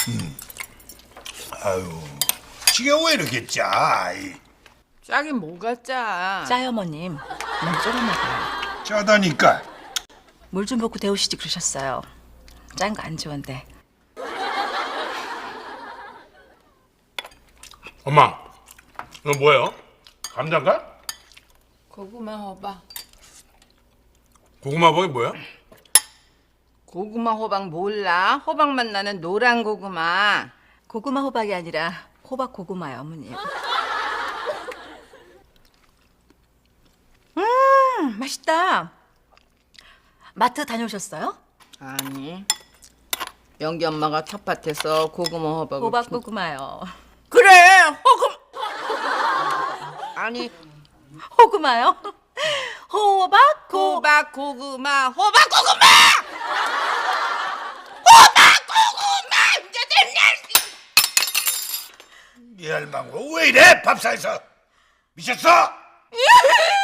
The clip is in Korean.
아유, 지게 왜 이렇게 짜? 짜긴 뭐가 짜? 짜요, 어머님. 너무 조금 먹어요. 짜다니까. 물 좀 붓고 데우시지 그러셨어요. 짠 거 안 좋은데. 엄마, 이거 뭐예요? 감자인가? 고구마 호박. 고구마 버이 뭐야? 고구마 호박 몰라? 호박맛 나는 노란 고구마. 고구마 호박이 아니라 호박 고구마요, 어머님. 맛있다. 마트 다녀오셨어요? 아니. 영기 엄마가 텃밭에서 고구마 호박을 호박 고구마요. 그래 호금 아니 호구마요? 호박 고 호박 고구마 호박 고구마 이제 됐네. 이 할망구 왜 이래? 밥상에서 미쳤어?